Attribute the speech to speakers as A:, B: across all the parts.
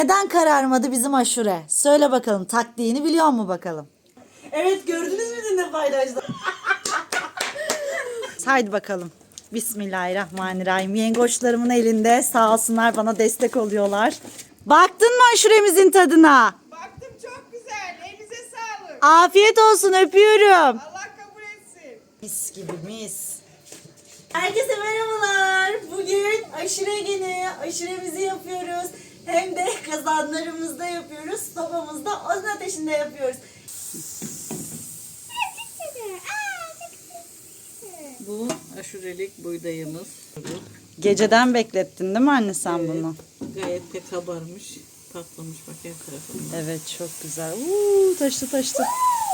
A: Neden kararmadı bizim aşure? Söyle bakalım, taktiğini biliyor mu bakalım? Evet, gördünüz mü dün de paylaştım. Haydi bakalım. Bismillahirrahmanirrahim. Yengoçlarımın elinde, sağ olsunlar, bana destek oluyorlar. Baktın mı aşuremizin tadına?
B: Baktım, çok güzel. Elinize sağlık.
A: Afiyet olsun, öpüyorum.
B: Allah kabul etsin.
A: Mis gibi mis. Herkese merhabalar. Bugün aşure günü. Aşuremizi yapıyoruz. Hem de kazanlarımızda yapıyoruz. Sobamızda, odun ateşinde yapıyoruz.
C: Bu aşurelik buğdayımız.
A: Geceden beklettin değil mi anne sen bunu?
C: Gayet de kabarmış, patlamış bak her tarafında.
A: Evet, çok güzel. Taştı taştı.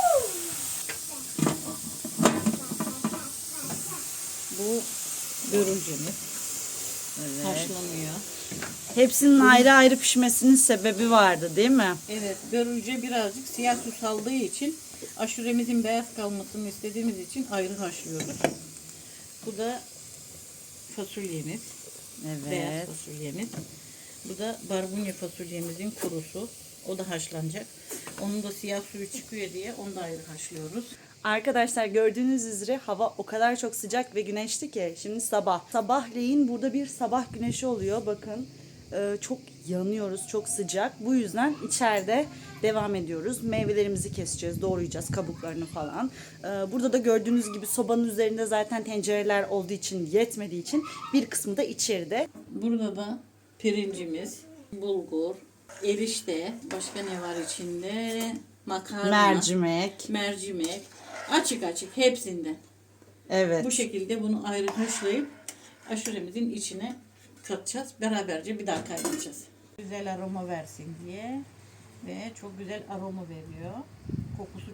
C: Bu börülcemiz. Haşlanıyor.
A: Hepsinin ayrı ayrı pişmesinin sebebi vardı değil mi?
C: Evet, börülce birazcık siyah su saldığı için aşuremizin beyaz kalmasını istediğimiz için ayrı haşlıyoruz. Bu da fasulyemiz. Beyaz
A: Evet.
C: fasulyemiz. Bu da barbunya fasulyemizin kurusu. O da haşlanacak. Onun da siyah suyu çıkıyor diye onu da ayrı haşlıyoruz.
A: Arkadaşlar, gördüğünüz üzere hava o kadar çok sıcak ve güneşli ki şimdi sabah. Sabahleyin burada bir sabah güneşi oluyor. Bakın çok yanıyoruz, çok sıcak. Bu yüzden içeride devam ediyoruz. Meyvelerimizi keseceğiz, doğrayacağız kabuklarını falan. Burada da gördüğünüz gibi sobanın üzerinde zaten tencereler olduğu için, yetmediği için bir kısmı da içeride.
C: Burada da pirincimiz, bulgur, erişte, başka ne var içinde? Makarna, mercimek, açık açık hepsinden.
A: Evet.
C: Bu şekilde bunu ayrı haşlayıp aşuremizin içine katacağız. Beraberce bir daha kaynatacağız. Güzel aroma versin diye ve çok güzel aroma veriyor. Kokusu.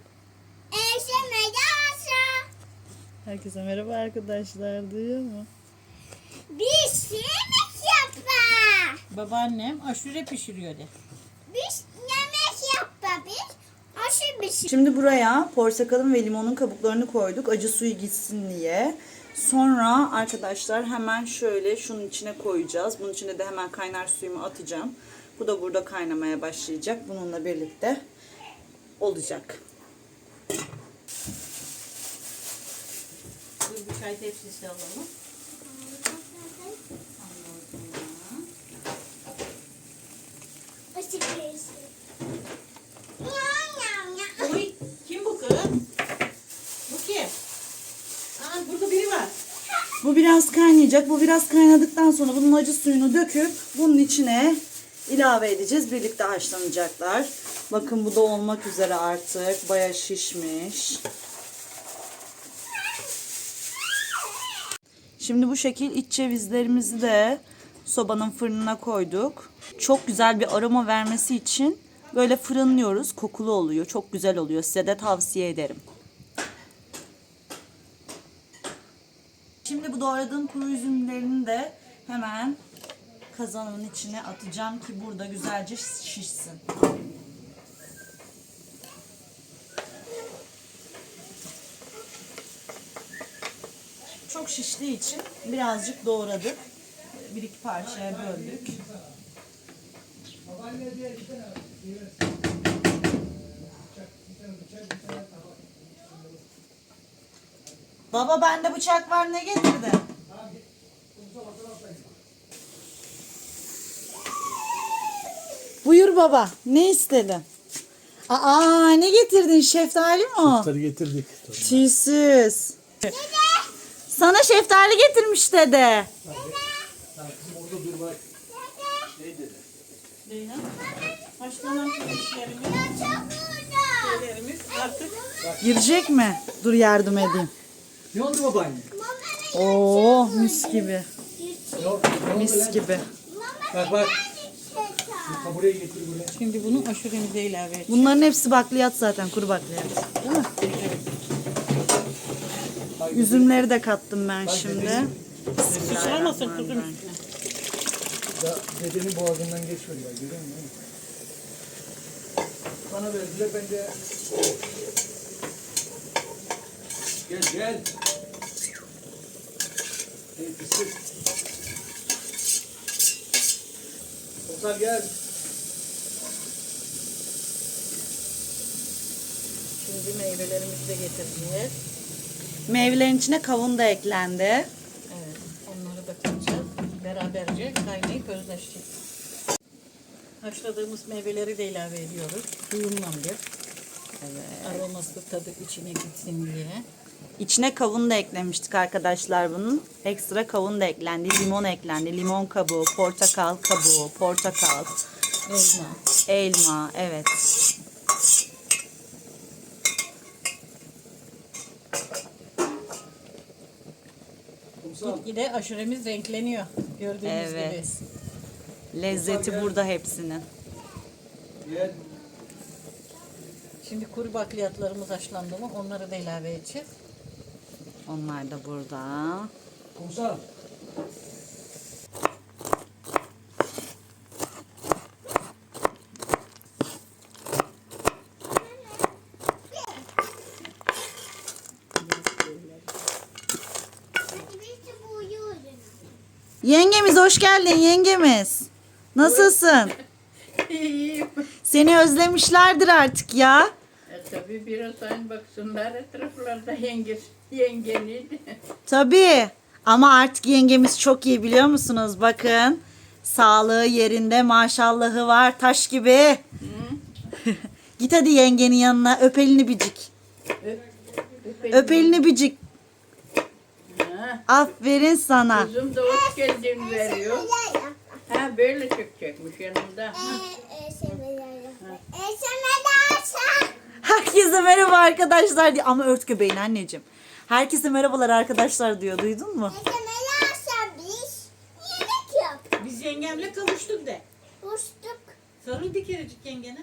A: Herkese merhaba arkadaşlar, duyuyor mu?
D: Biz yemek yapma.
C: Babaannem aşure pişiriyor de.
D: Biz yemek yapma biz. Aşı bir şey.
A: Şimdi buraya portakalın ve limonun kabuklarını koyduk, acı suyu gitsin diye. Sonra arkadaşlar hemen şöyle şunun içine koyacağız. Bunun içine de hemen kaynar suyumu atacağım. Bu da burada kaynamaya başlayacak. Bununla birlikte olacak.
C: Bir çay tepsisi alalım.
D: Aşı bir şey.
C: Oy, kim bu kız? Bu kim? Aa, burada biri var.
A: Bu biraz kaynayacak. Bu biraz kaynadıktan sonra bunun acı suyunu döküp bunun içine ilave edeceğiz. Birlikte haşlanacaklar. Bakın, bu da olmak üzere artık. Bayağı şişmiş. Şimdi bu şekil iç cevizlerimizi de sobanın fırınına koyduk. Çok güzel bir aroma vermesi için böyle fırınlıyoruz. Kokulu oluyor. Çok güzel oluyor. Size de tavsiye ederim. Şimdi bu doğradığım kuru üzümlerini de hemen kazanın içine atacağım ki burada güzelce şişsin. Çok şiştiği için birazcık doğradık. Bir iki parçaya böldük. Baba, bende bıçak var, ne getirdi? Buyur baba, ne istedin? Aa, ne getirdin? Şeftali mi o?
E: Şeftali getirdik.
A: Tüysüz. Sana şeftali getirmiş dede.
E: Orada dur bak. Ne dedi?
C: Leyla. Haşlanan pirinçlerimiz, şeylerimiz artık
A: Girecek mi? Dur yardım edeyim.
E: Ne oldu babaanne?
A: Oo, mis gibi.
E: Yok.
A: Mis gibi.
E: Bak bak. Ha, buraya getir buraya.
C: şimdi bunu aşuremize ilave edeceğiz.
A: Bunların hepsi bakliyat zaten, kuru bakliyat. Değil mi? Üzümleri de kattım ben şimdi.
C: Sıçramasın kuzum üstüne.
E: Ya dedenin boğazından geçiyor ya. Görüyor musun? Bana verdiler, ben de... Gel gel. Hey pislik. Ozan gel.
C: Meyvelerimizi de getireceğiz.
A: Meyvelerin içine kavun da eklendi.
C: Evet, onları da katacağız. Beraberce kaynayıp özleşecek. Haşladığımız meyveleri de ilave ediyoruz. Suyundan bir. Evet. Aroması tadı içine gitsin diye.
A: İçine kavun da eklemiştik arkadaşlar bunun. Ekstra kavun da eklendi. Limon eklendi. Limon kabuğu, portakal kabuğu, portakal,
C: Elma.
A: elma. Evet.
C: Gitgide aşuremiz renkleniyor. Gördüğünüz gibi.
A: Evet. Lezzeti burada hepsinin.
E: Gel.
C: Şimdi kuru bakliyatlarımız haşlandı mı onları da ilave edeceğiz.
A: Onlar da burada.
E: Kumsal.
D: Biz de buyurun.
A: Yengemiz hoş geldin yengemiz. Nasılsın?
F: İyiyim.
A: Seni özlemişlerdir artık ya.
F: Tabii biraz aynı baksınlar etraflarda yengeniydi.
A: Tabii. Ama artık yengemiz çok iyi biliyor musunuz? Bakın. Sağlığı yerinde, maşallahı var, taş gibi. Git hadi yengenin yanına, öp elini bicik. Öp elini bicik.
F: Ha,
A: Aferin sana.
F: kızım da hoş geldin veriyor. Ha böyle çıkacakmış yanımda.
A: Herkese merhaba arkadaşlar diye. Ama ört göbeğini anneciğim. Herkese merhabalar arkadaşlar diyor. Duydun mu?
C: Biz yengemle kavuştuk de.
D: Uçtuk.
C: Sarıl bir kerecik yengene.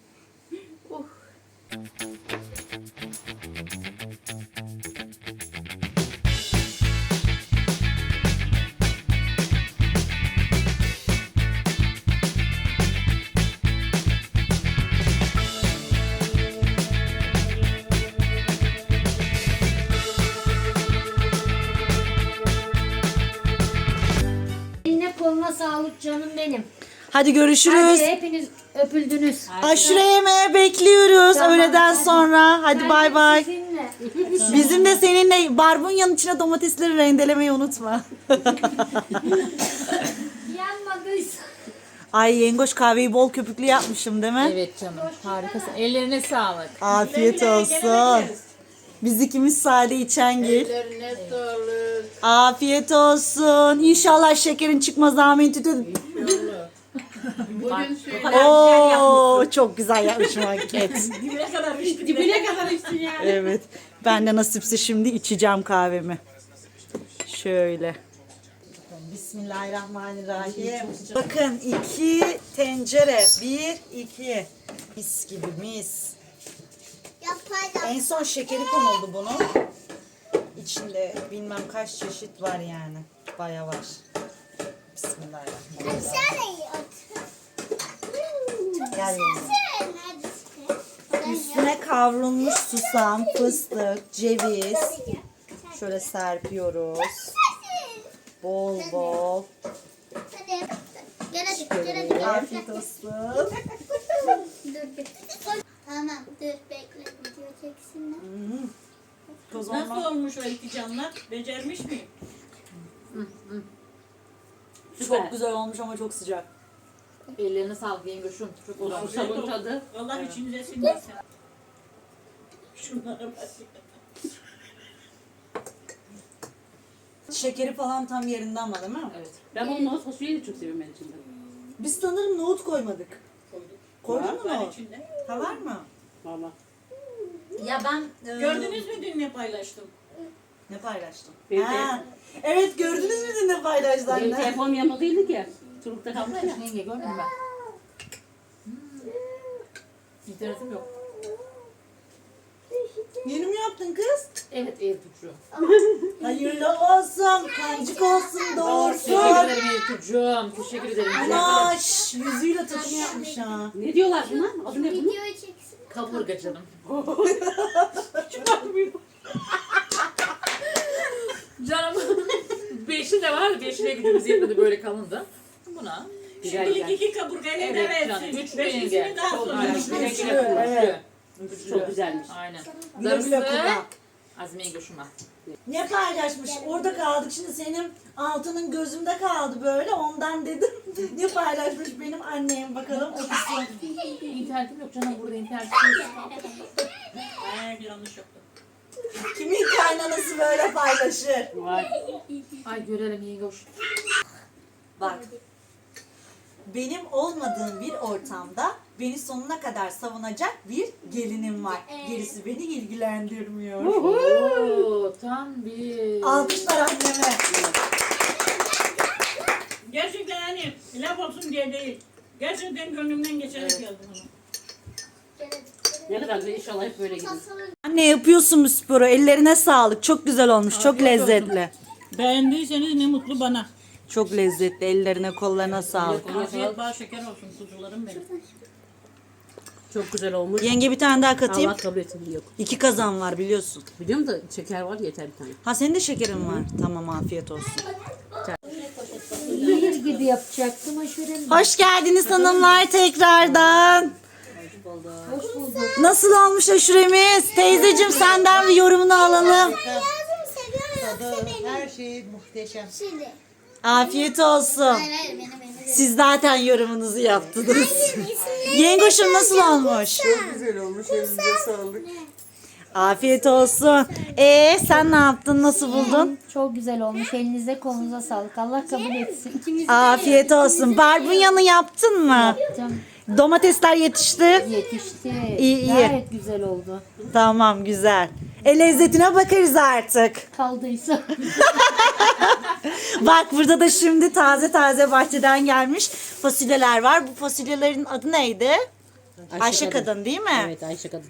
G: Eline koluna sağlık canım benim.
A: Hadi görüşürüz.
G: Hadi hepiniz öpüldünüz.
A: Aşure yemeğe bekliyoruz
G: Tamam,
A: öğleden
G: hadi.
A: sonra. Hadi bay bay.
G: Sizinle.
A: Bizim de seninle barbunyanın içine domatesleri rendelemeyi unutma.
G: Yanmadıysa.
A: Ay yengoş kahveyi bol köpüklü yapmışım değil mi?
H: Evet canım harikasın. Ellerine sağlık.
A: Afiyet olsun. Biz ikimiz sade içengil.
F: Ellerine sağlık.
A: Afiyet olsun. İnşallah şekerin çıkmaz amin tütün.
F: Bugün söyle.
A: Oo çok güzel yapmışım hareket.
C: Dibine kadar içtin ya.
A: Evet. Ben de nasipse şimdi içeceğim kahvemi. Şöyle. Bismillahirrahmanirrahim. Bakın 2 tencere. 1, 2. Mis gibi mis. En son şekeri konuldu bunun. İçinde bilmem kaç çeşit var yani. Baya var. Bismillahirrahmanirrahim. Gel yenge. Üstüne kavrulmuş susam, fıstık, ceviz. Şöyle serpiyoruz. Bol bol. Afiyet olsun.
D: Tamam dur bekle video çeksinler.
C: Nasıl olmuş o iki canlar? Becermiş miyim?
A: Çok güzel olmuş ama çok sıcak.
H: Ellerine sağlık yengoşum. Çok güzel. Sabun tadı.
C: Allah içinize sindirsin. Şunlara bak.
A: Şekeri falan tam yerinde ama değil mi?
H: Evet. Ben bunu nohut fasulyeyi de çok seviyorum ben içinde.
A: Biz sanırım nohut koymadık. Koydun mu
C: Var
A: nohut?
C: içinde.
A: Ha var mı?
H: Valla.
A: Ya ben...
C: Gördünüz mü dün ne paylaştım?
A: Ne paylaştım?
H: Benim
A: Ha, evet gördünüz mü de ne paylaştı
H: Benim
A: anne?
H: telefonum yanmadıydı ki. Çocukta kaldı ya. Yenge gördün mü ben? İnternetim yok.
A: Yeni mi yaptın kız?
H: Evet Eltucu.
A: Hayırlı olsun, kancık olsun,
H: Teşekkür
A: doğursun.
H: ederim Eltucuğum. Teşekkür ederim.
A: Anaş, yüzüyle takım yapmış ha.
H: Ne diyorlar buna? Adı ne bunun?
D: Video çeksin.
H: Kaburga canım. Canım. Beşi de var. Beşine gücümüz yetmedi böyle kalındı. Buna.
C: Şimdilik iki kaburgayla idare
H: Evet canım.
C: etsin.
H: Üçlü
C: Beşincisini
H: yenge.
C: daha
H: Çok
C: sonra.
H: güzel.
A: Üçlü,
H: Üçlü.
A: evet.
H: Çok güzelmiş. Aynen. Darısı Azmiye Göşüm'e.
A: Ne paylaşmış? Orada kaldık. Şimdi senin altının gözümde kaldı böyle. Ondan dedim. Ne paylaşmış benim annem? Bakalım okusun.
H: İnternetim yok canım, burada internet yok. Bir yanlış yoktu.
A: Kimin kaynanası böyle paylaşır?
H: Ay görelim Yengoş.
A: Bak. Benim olmadığım bir ortamda beni sonuna kadar savunacak bir gelinim var. Gerisi beni ilgilendirmiyor.
H: Oo, tam bir...
A: Alkışlar anneme.
C: Gerçekten hani laf olsun diye değil. Gerçekten gönlümden geçerek yazdım onu.
F: Ne kadar güzel, inşallah hep böyle gidiyor.
A: Anne yapıyorsun bu sporu. Ellerine sağlık. Çok güzel olmuş. Çok lezzetli.
C: Beğendiyseniz ne mutlu bana.
A: Çok lezzetli. Ellerine kollarına sağlık.
C: Afiyet bal şeker olsun kuzularım benim.
F: Çok güzel olmuş.
A: Yenge bir tane daha katayım.
F: Allah kabul etsin. Yok.
A: 2 kazan var biliyorsun.
F: Biliyorum da şeker var, yeter bir tane.
A: Ha senin de şekerin var. Tamam afiyet olsun.
G: Zehir gibi yapacaktım aşurem.
A: Hoş geldiniz hanımlar tekrardan.
G: Hoş bulduk.
A: Nasıl olmuş aşuremiz? Teyzeciğim senden bir yorumunu alalım.
B: Her şey muhteşem.
D: Şimdi.
A: Afiyet olsun.
D: Hayır benim.
A: Siz zaten yorumunuzu yaptınız. Yengoşum nasıl olmuş?
E: Çok güzel olmuş. Elinize sağlık.
A: Afiyet olsun. Sen ne yaptın? Nasıl buldun?
G: Çok güzel olmuş. Elinize kolunuza sağlık. Allah kabul etsin.
A: Afiyet olsun. Barbunyanı yaptın mı?
G: Canım
A: Domatesler yetişti.
G: yetişti.
A: İyi.
G: Gayet güzel oldu.
A: Tamam güzel. Lezzetine bakarız artık.
G: Kaldıysa.
A: Bak burada da şimdi taze taze bahçeden gelmiş fasulyeler var. Bu fasulyelerin adı neydi? Ayşe kadın değil mi?
F: Evet, Ayşe kadın.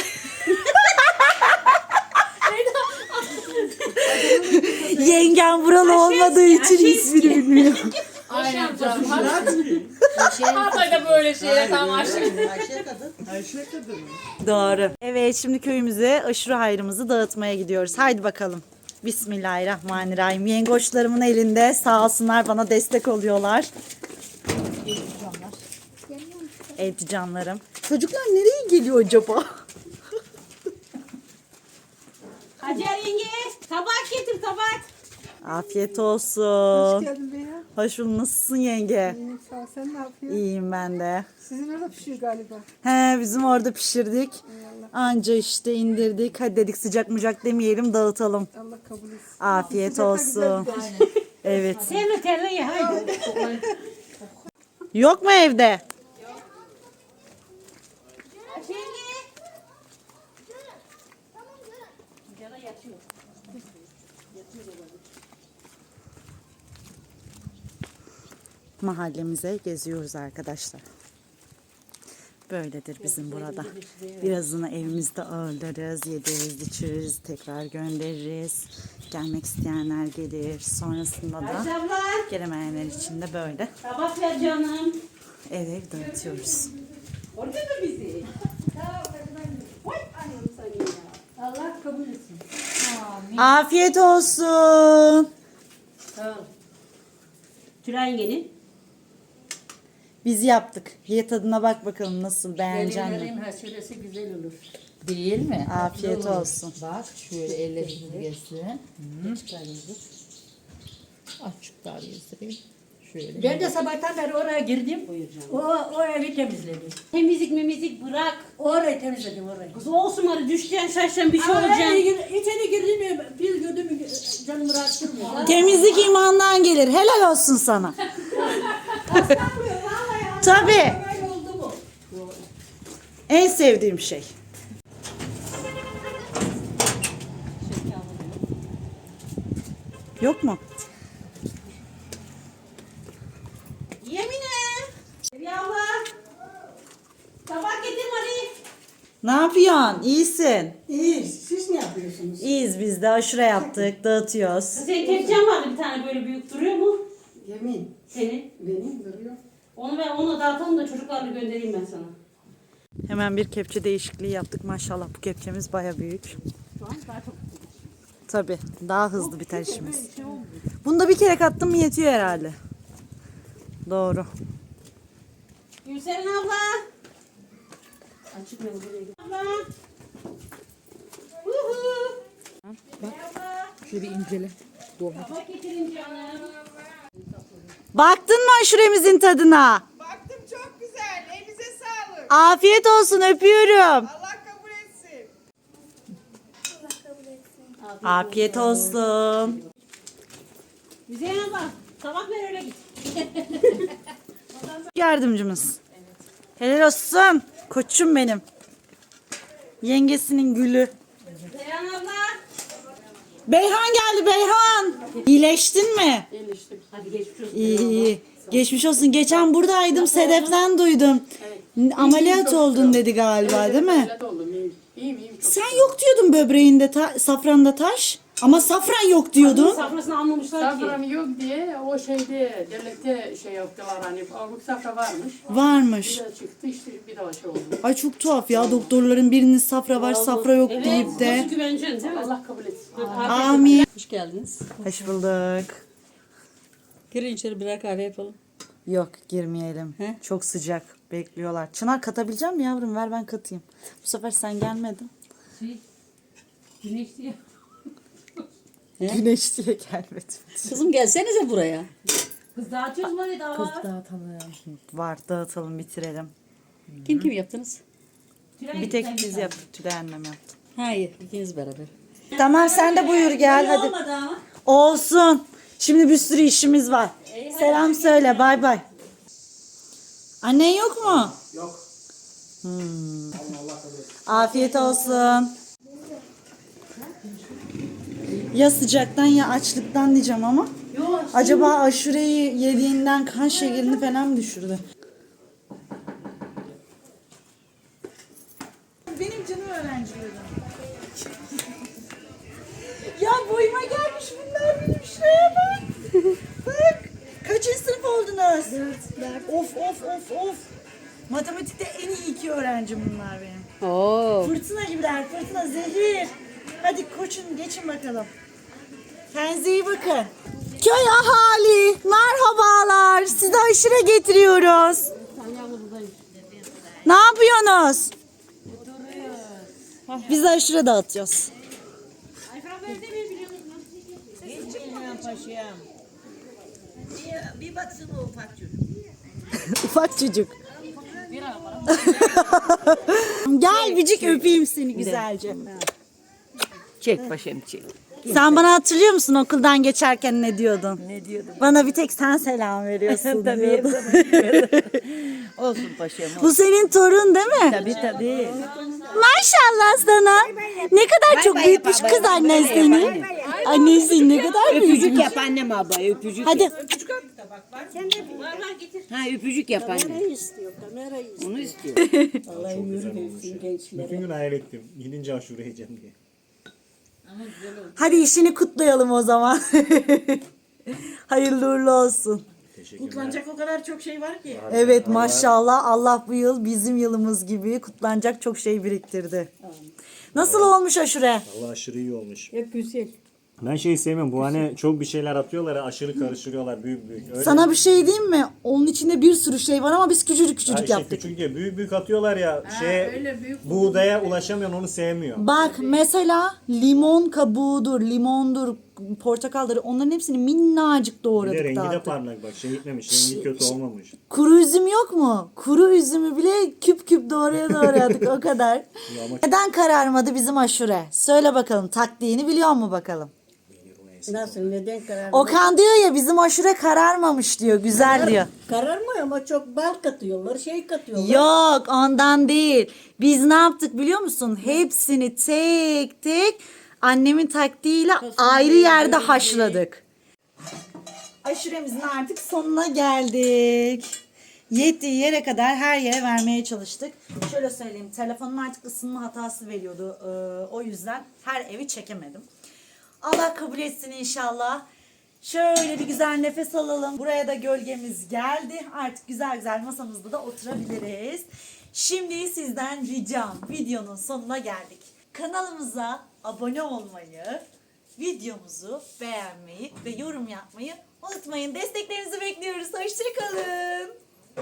A: Yengem buralı olmadığı için ismini bilmiyor.
H: Aynen canım. Hatay'da böyle şeyler tam aşık.
E: Ayşe kadın.
A: Doğru. Evet şimdi köyümüze aşure hayrımızı dağıtmaya gidiyoruz. Haydi bakalım. Bismillahirrahmanirrahim. Yengoçlarımın elinde sağ olsunlar bana destek oluyorlar. Evet canlarım. Çocuklar nereye geliyor acaba?
C: Hacer yenge tabak getir tabak.
A: Afiyet olsun. Hoş
B: Geldin be ya.
A: Hoş bulduk. Nasılsın yenge?
B: İyiyim sağ ol. Sen ne yapıyorsun?
A: İyiyim ben de.
B: Sizin orada pişiyor galiba.
A: He bizim orada pişirdik. Anca işte indirdik. Hadi dedik sıcak mucak demeyelim dağıtalım.
B: Allah kabul etsin.
A: Afiyet olsun. Evet.
C: Terle terle ye haydi.
A: Yok mu evde? Mahallemize geziyoruz arkadaşlar. Böyledir bizim burada. Birazını evimizde ağırlarız, yediririz, içiririz, tekrar göndeririz. Gelmek isteyenler gelir. Sonrasında da gelemeyenler için de böyle
C: Tabak ver canım.
A: ev ev dağıtıyoruz.
C: Orada da bizi.
G: Allah kabul etsin.
A: Afiyet olsun.
F: Tülay yengenin.
A: Biz yaptık. Ye tadına bak bakalım nasıl beğeneceksin mi?
F: Gelinlerin haşeresi güzel olur.
I: Değil mi?
A: Afiyet olsun.
I: Bak şöyle elle süzgeçli. Açık daha gezdireyim. Şöyle.
F: Ben de sabahtan beri oraya girdim. O evi temizledim. Temizlik bırak. Orayı temizledim orayı.
C: Kız olsun hadi düşten şaşan bir şey olacak.
F: İçeri girdim bir gördüm canımı rahatsızmıyor.
A: Temizlik imandan gelir. Helal olsun sana. Tabii.
F: Böyle oldu mu?
A: En sevdiğim şey. Yok mu?
C: Tabak getir hadi.
A: Ne yapıyorsun? İyisin.
B: İyi. Siz ne yapıyorsunuz?
A: İyiyiz biz de. Aşure yaptık. Dağıtıyoruz.
C: Senin kepçen vardı bir tane böyle büyük duruyor mu?
B: Yemin.
C: Senin.
B: Benim duruyor.
C: Onu dağıtalım da çocuklarla göndereyim ben sana.
A: Hemen bir kepçe değişikliği yaptık. Maşallah bu kepçemiz baya büyük. Tabii. Daha hızlı biter işimiz. Bunu da bir kere kattım mı yetiyor herhalde. Doğru.
C: Gülseren abla.
F: Açık ne buraya git.
I: Şöyle bir incele.
F: Bak getirin canım.
A: Baktın mı aşuremizin tadına?
B: Baktım çok güzel. Elinize sağlık.
A: Afiyet olsun, öpüyorum.
B: Allah kabul etsin.
A: Afiyet olsun.
F: Müzeyyen abla sabah ver öyle git.
A: Yardımcımız. Helal olsun. Koçum benim. Yengesinin gülü.
F: Müzeyyen abla.
A: Beyhan geldi Beyhan. İyileştin mi?
F: Hadi geçmiş olsun.
A: İyi iyi. Geçmiş olsun. Geçen buradaydım. Sedef'ten duydum. Ameliyat oldun dedi galiba değil mi?
H: İyiyim.
A: Sen yok diyordun böbreğinde, safranda taş. Ama safran yok diyordun.
F: Safrasını almamışlar ki.
J: Safran yok diye o şeyde devlette şey yaptılar hani avluk safra varmış.
A: Varmış.
J: Bir de çıktı işte bir daha şey oldu.
A: Ay çok tuhaf ya, doktorların birinin safra var safra yok deyip de.
F: Nasıl güveneceksin değil mi?
J: Allah kabul etsin.
A: Amin.
I: Hoş geldiniz.
A: Hoş bulduk.
I: Girin içeri birer kahve yapalım.
A: Yok girmeyelim. Çok sıcak. Bekliyorlar. Çınar katabilecek misin yavrum? Ver ben katayım. Bu sefer sen gelmedin.
F: Güneş diye.
A: Güneş diye gelmedi.
I: Kızım gelsenize buraya.
F: Kız dağıtıyoruz mu daha var?
A: Var, dağıtalım bitirelim.
I: Kim yaptınız?
A: Bir tek biz yaptık. Tülay annem yaptı.
I: Hayır, ikiniz beraber.
A: Tamam sen de buyur gel hadi.
F: Olmadı ama.
A: Olsun. Şimdi bir sürü işimiz var. Selam söyle, bay bay. Annen yok mu? Yok. Afiyet olsun. Ya sıcaktan ya açlıktan diyeceğim ama. Acaba aşureyi yediğinden kan şekerini falan mı düşürdü? Benim canım öğrencilerim. Ya boyuma gelmiş bunlar benim, şuraya bak. Bak. Kaçıncı sınıf oldunuz? 4. Of. Matematikte en iyi 2 öğrencim bunlar benim.
I: Oo.
A: Fırtına gibiler, fırtına, zehir. Hadi koçun geçin bakalım. Kendinize iyi bakın. Köy ahali, merhabalar. Size aşure getiriyoruz. Ne yapıyorsunuz? Biz de aşure dağıtıyoruz.
C: Bir baksın o ufak çocuk.
A: Ufak çocuk. Gel bicik öpeyim seni güzelce.
I: Çek başım çek.
A: Sen bana hatırlıyor musun okuldan geçerken ne diyordun? Ne diyordum? Bana bir tek sen selam veriyorsun diyordun.
I: Olsun paşam.
A: Bu senin torun değil mi?
I: Tabii.
A: Maşallah sana. Ne kadar çok büyütmüş kız annen seni. Annesi ne kadar büyütmüş.
I: Öpücük yap annem ablaya öpücük.
A: Hadi.
I: Ha öpücük yap annem. Onu istiyor.
E: Bütün gün hayal ettim. Gidince aşure yiyeceğim diye.
A: Hadi işini kutlayalım o zaman. Hayırlı uğurlu olsun.
C: Kutlanacak o kadar çok şey var ki.
A: Evet maşallah Allah bu yıl bizim yılımız gibi kutlanacak çok şey biriktirdi. Nasıl olmuş aşure?
E: Allah aşırı iyi olmuş.
F: Hep güzel.
E: Ben şeyi sevmiyorum. Bu hani çok bir şeyler atıyorlar ya, aşırı karıştırıyorlar büyük. Öyle
A: Sana bir şey diyeyim mi? Onun içinde bir sürü şey var ama biz küçücük
E: Ha, işte
A: yaptık.
E: küçük ya büyük atıyorlar ya. Buğdaya ulaşamayan onu sevmiyor.
A: Bak mesela limon kabuğudur, limondur, portakaldır, onların hepsini minnacık
E: Bir de
A: doğradık
E: rengi de
A: dağıttık.
E: parlak bak. Şey gitmemiş. Rengi kötü olmamış.
A: Kuru üzüm yok mu? Kuru üzümü bile küp küp doğradık o kadar.
E: Ya ama
A: Neden kararmadı bizim aşure? Söyle bakalım, taktiğini biliyor mu bakalım?
B: Nasıl neden karar?
A: Okan diyor ya bizim aşure kararmamış diyor, güzel diyor.
B: Kararmıyor ama çok bal katıyorlar, şey katıyorlar.
A: Yok ondan değil. Biz ne yaptık biliyor musun? Hepsini tek tek annemin taktiğiyle ayrı yerde haşladık. Aşuremizin artık sonuna geldik. Yettiği yere kadar her yere vermeye çalıştık. Şöyle söyleyeyim, telefonum artık ısınma hatası veriyordu. O yüzden her evi çekemedim. Allah kabul etsin inşallah. Şöyle bir güzel nefes alalım. Buraya da gölgemiz geldi. Artık güzel güzel masamızda da oturabiliriz. Şimdi sizden ricam, videonun sonuna geldik. Kanalımıza abone olmayı, videomuzu beğenmeyi ve yorum yapmayı unutmayın. Desteklerinizi bekliyoruz. Hoşçakalın.